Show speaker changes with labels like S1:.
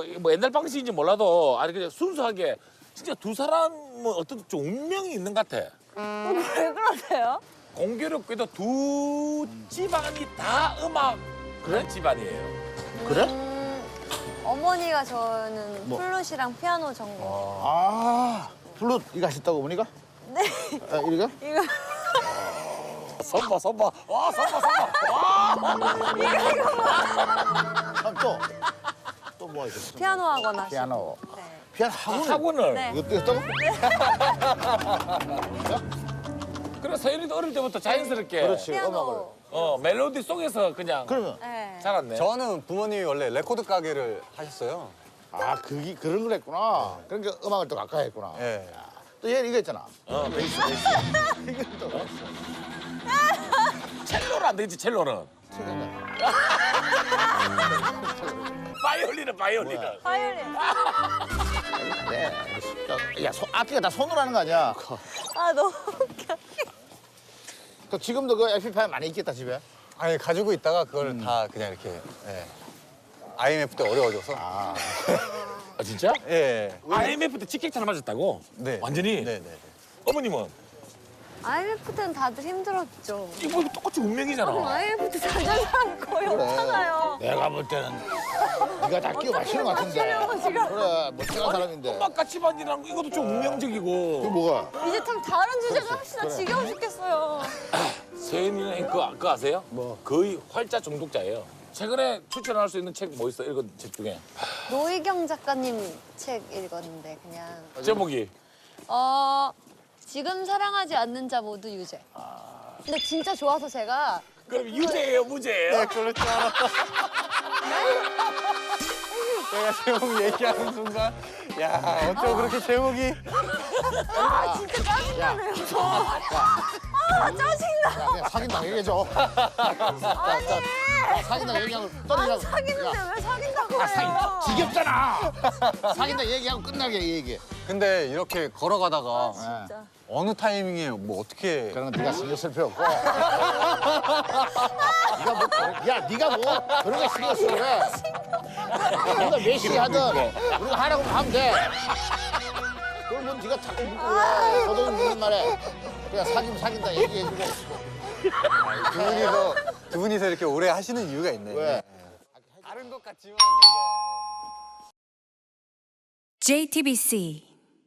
S1: 뭐 옛날 방식인지 몰라도 아니 그냥 순수하게 진짜 두 사람은 어떤 좀 운명이 있는 것 같아.
S2: 왜 그러세요?
S1: 공교롭게도 두 집안이 다 음악 그런 집안이에요.
S3: 그래?
S2: 어머니가 저는
S3: 뭐?
S2: 플룻이랑 피아노 전공.
S3: 아, 플룻 이거 하셨다고 어머니가?
S2: 네.
S3: 아, 이거?
S2: 이거
S1: 선봐 선봐. 와 선봐 선봐.
S3: 아, 또 뭐 있었어?
S2: 피아노 학원 하시고.
S3: 피아노.
S2: 네.
S3: 피아노 학원을?
S1: 학원을.
S2: 네.
S3: 이것도 했다고?
S1: 그래 서연이도 어릴 때부터 자연스럽게
S3: 그렇지, 음악을.
S2: 피아노.
S1: 멜로디 속에서 그냥
S3: 그러면
S2: 네.
S1: 자랐네.
S4: 저는 부모님이 원래 레코드 가게를 하셨어요.
S3: 아, 그런 걸 했구나. 그러니까 음악을 또 가까이 했구나.
S4: 예.
S3: 또 얘는 이거 했잖아.
S1: 베이스.
S3: 이건 또
S1: 첼로는 안 되지 첼로는. 바이올린은 바이올린은.
S2: 화요일에.
S3: 네. 야, 악기가 다 손으로 하는 거 아니야?
S2: 아 너무 웃겨.
S3: 또 지금도 그 에피파일 많이 있겠다, 집에?
S4: 아니 가지고 있다가 그걸 다 그냥 이렇게 IMF 때 어려워져서.
S3: 아,
S1: 아 진짜?
S4: 예.
S1: IMF 때 직격탄을 맞았다고?
S4: 네.
S1: 완전히?
S4: 네네.
S1: 어머님은?
S2: IMF 때는 다들 힘들었죠.
S1: 이거 똑같이 운명이잖아.
S2: IMF 때 자전 사람 거의 없잖아요.
S3: 내가 볼 때는 네가 다 끼워 맞추는 것 같은데.
S2: 맞추려고 지금.
S3: 그래, 멋쟁한 사람인데.
S1: 음악 같이 반이라는 거 이것도 좀
S3: 이거
S1: 운명적이고.
S3: 뭐가?
S2: 이제 참 다른 주제 좀 합시다.
S3: 그래.
S2: 지겨워 죽겠어요.
S1: 세연이는 그거 아세요?
S3: 뭐?
S1: 거의 활자 중독자예요. 최근에 추천할 수 있는 책 뭐 있어? 읽은 책 중에.
S2: 노희경 작가님 책 읽었는데 그냥
S1: 제목이.
S2: 지금 사랑하지 않는 자 모두 유죄. 근데 진짜 좋아서 제가
S1: 그럼 유죄예요, 무죄예요?
S4: 네, 그럴 줄 알았다. 내가 제목 얘기하는 순간, 야 어쩜 그렇게 제목이.
S2: 아 진짜 짜증나네요. 아 짜증나.
S3: 야, 그냥 사귄다 얘기해줘.
S2: 아니.
S3: 사귄다 얘기하고
S2: 안
S3: 떠들자고.
S2: 사귀는데 왜 사귄다고 해요?
S3: 지겹잖아. 사귄다 얘기하고 끝나게 얘기해.
S4: 근데 이렇게 걸어가다가
S2: 진짜.
S4: 어느 타이밍에 뭐 어떻게.
S3: 그런 건 네가 신경 쓸 필요 없고. 네가 뭐, 야, 네가 뭐 그런 거 신경 쓰 그래. 우리가 몇 시에 하든 우리가 하라고 하면 돼. 그걸 뭐 네가 자꾸 묻고 왜 저도 묻는 말에 그냥 사귀면 사귄다 얘기해주고.
S4: 두 분이서 이렇게 오래 하시는 이유가 있네.
S3: 왜?
S4: 다른 것 같지만 뭔가.
S5: JTBC